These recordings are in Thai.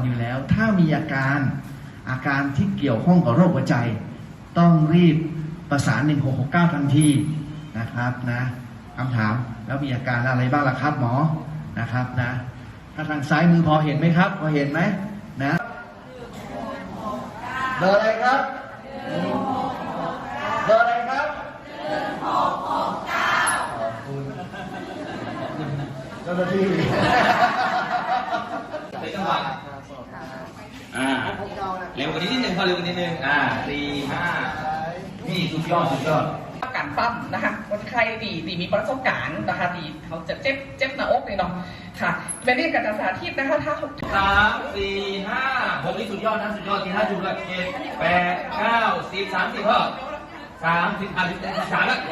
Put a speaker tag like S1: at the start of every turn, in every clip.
S1: อยู่แล้วถ้ามีอาการที่เกี่ยวข้องกับโรคหัวใจต้องรีบประสาน1669ทันทีนะครับนะคำถามแล้วมีอาการอะไรบ้างล่ะครับหมอนะครับนะถ้าทางซ้ายมือพอเห็นไหมครับพอเห็นไหมนะเบอร์อะไรครับเบอร์อะไรครับขอบคุณเจ้าหน้าที่
S2: เป็นจังหวะเร็วกว่านี้นิดนึงพอเร็วกว่านี้นิดนึง4 5นี่สุดยอด
S3: การปั้มนะคะคนไข้ดีมีประสบการณ์นะคะดีเขาจะเจ็บหน้าอกเลยเนาะค่ะเป็นเรื่องการสาธิตนะคะถ้า
S2: 3 4 5 6นี่สุดยอดนะสุดยอดที5จุดเลย7 8 9 10 30พ่อ3033แล้ว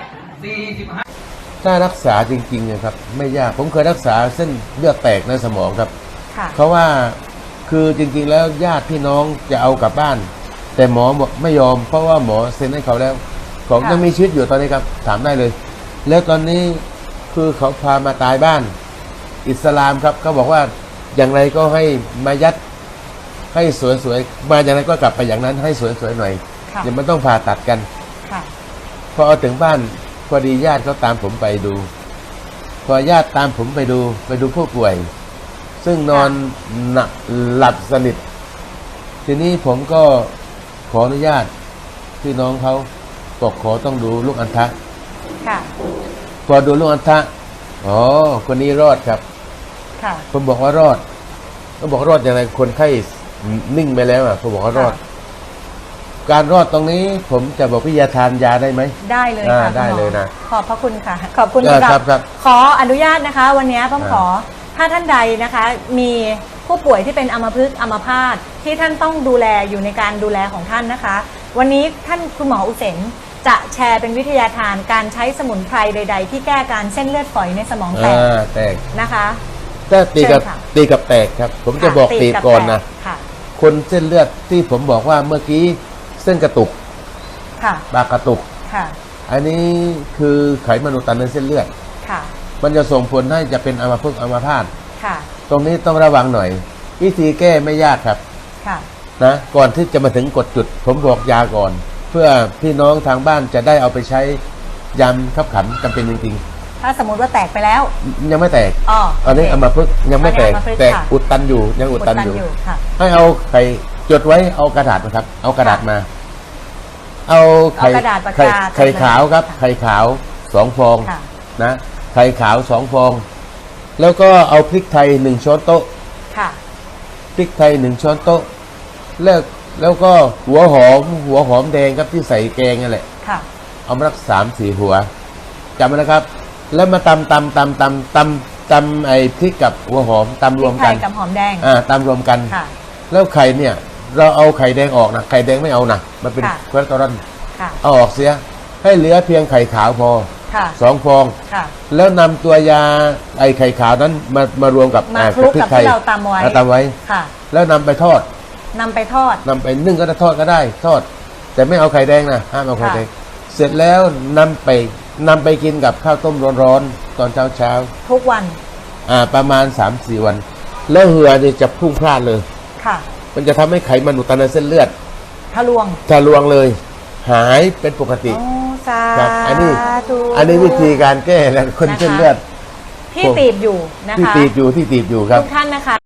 S2: 45
S4: ถ้ารักษาจริงๆนะครับไม่ยากผมเคยรักษาเส้นเลือดแตกในสมองครับเพราะว่าคือจริงๆแล้วญาติพี่น้องจะเอากลับบ้านแต่หมอไม่ยอมเพราะว่าหมอเซ็นให้เขาแล้วเขายังมีชีวิตอยู่ตอนนี้ครับถามได้เลยแล้วตอนนี้คือเขาพามาตายบ้านอิสลามครับเขาบอกว่าอย่างไรก็ให้มายัดให้สวยๆมาอย่างไรก็กลับไปอย่างนั้นให้สวยๆหน่อยอย่ามันต้องผ่าตัดกันพอเอาถึงบ้านพอดีญาติเขาตามผมไปดูพอญาติตามผมไปดูผู้ป่วยซึ่งนอนหลับสนิททีนี้ผมก็ขออนุญาตพี่น้องเขาบอกขอต้องดูลูกอัณฑะพอดูลูกอัณฑะอ๋อคนนี้รอดครับผมบอกว่ารอดก็บอกรอดอย่างไรคนไข้นิ่งไปแล้วผมบอกว่ารอดการรอดตรงนี้ผมจะบอกวิทยาทานยาได้ไหม
S5: ได้เลยค่ะ
S4: ได้เลยนะ
S5: ขอบพระคุณค่ะขอบคุณครับขออนุญาตนะคะวันนี้ผมขอถ้าท่านใดนะคะมีผู้ป่วยที่เป็นอัมพฤกษ์อัมพาตที่ท่านต้องดูแลอยู่ในการดูแลของท่านนะคะวันนี้ท่านคุณหมออุเซนจะแชร์เป็นวิทยาทานการใช้สมุนไพรใดๆที่แก้การเส้นเลือดฝอยในสมองแตกนะคะ
S4: ถ้าตีกับแตกครับผมจะบอกตีก่อนนะคนเส้นเลือดที่ผมบอกว่าเมื่อกี้เส้นกระตุกปากกระตุกอันนี้คือไขมันอุดตันในเส้นเลือดมันจะส่งผลให้จะเป็นอัมพฤกษ์อัมพาตตรงนี้ต้องระวังหน่อยวิธีแก้ไม่ยากครับนะก่อนที่จะมาถึงกดจุดผมบอกยาก่อนเพื่อพี่น้องทางบ้านจะได้เอาไปใช้ยามขับขันจำเป็นจริง
S5: ๆถ้าสมมติว่าแตกไปแล้ว
S4: ยังไม่แตกอันนี้อัมพฤกษ์ยังไม่แตกอุดตันอยู่ยังอุดตันอยู่ให้เอาไข่จดไว้เอากระดาษนะครับเอากระดาษมาเอาไข่ขาวครับไข่ขาว2 ฟองนะไข่ขาว2 ฟองแล้วก็เอาพริกไทย1 ช้อนโต๊ะพริกไทย1 ช้อนโต๊ะแล้วก็หัวหอมแดงครับที่ใส่แกงนั่นแหละเอามาสัก3-4 หัวจำไว้นะครับแล้วมาตำไอ้พริกกับหัวหอมตำรวมกัน
S5: กับหอมแดง
S4: ตำรวมกันแล้วไข่เนี่ยเราเอาไข่แดงออกนะไข่แดงไม่เอานะมันเป็นคอเลสเตอรอลเอาออกเสียให้เหลือเพียงไข่ขาวพอ2 ฟองแล้วนำตัวยาไอ้ไข่ขาวนั้นมารวมกับ
S5: คลุกกับที่เราตำไว้
S4: แล้วนำไปทอด
S5: นำไป
S4: นึ่งก็ได้ทอดก็ได้ทอดแต่ไม่เอาไข่แดงนะห้ามเอาไข่แดงเสร็จแล้วนำไปกินกับข้าวต้มร้อนๆตอนเช้า
S5: ทุกวัน
S4: ประมาณ 3-4 วันแล้วเหือเนี่ยจะพุ่งพลาดเลยมันจะทำให้ไขมันอุดตันในเส้นเลือด
S5: ทะลวง
S4: เลยหายเป็นปกติครับอันนี้วิธีการแก้แล้วคนเส้นเลือด
S5: ที่ตีบอยู่นะคะ
S4: ที่ตีบอยู่ครับ
S5: ทุกท่านนะคะ